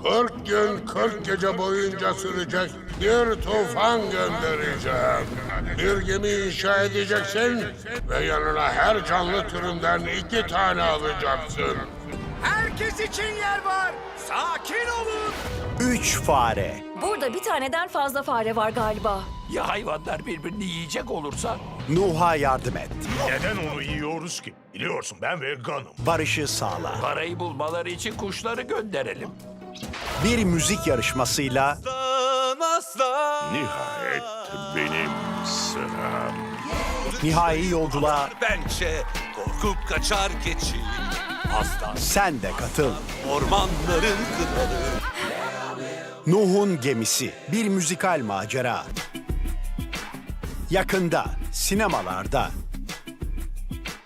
40 gün 40 gece boyunca sürecek bir tufan göndereceğim. Bir gemi inşa edeceksin ve yanına her canlı türünden 2 tane alacaksın. Herkes için yer var. Sakin olun. 3 fare. Burada bir taneden fazla fare var galiba. Ya hayvanlar birbirini yiyecek olursa? Nuh'a yardım et. Neden onu yiyoruz ki? Biliyorsun ben veganım. Barışı sağla. Parayı bulmaları için kuşları gönderelim. Bir müzik yarışmasıyla Nihayet benim sıram. nihai yolculuğa Pençe korkup kaçar keçi. Aslan sen de katıl. ormanların kralı. Nuh'un gemisi. Bir müzikal macera. Yakında sinemalarda.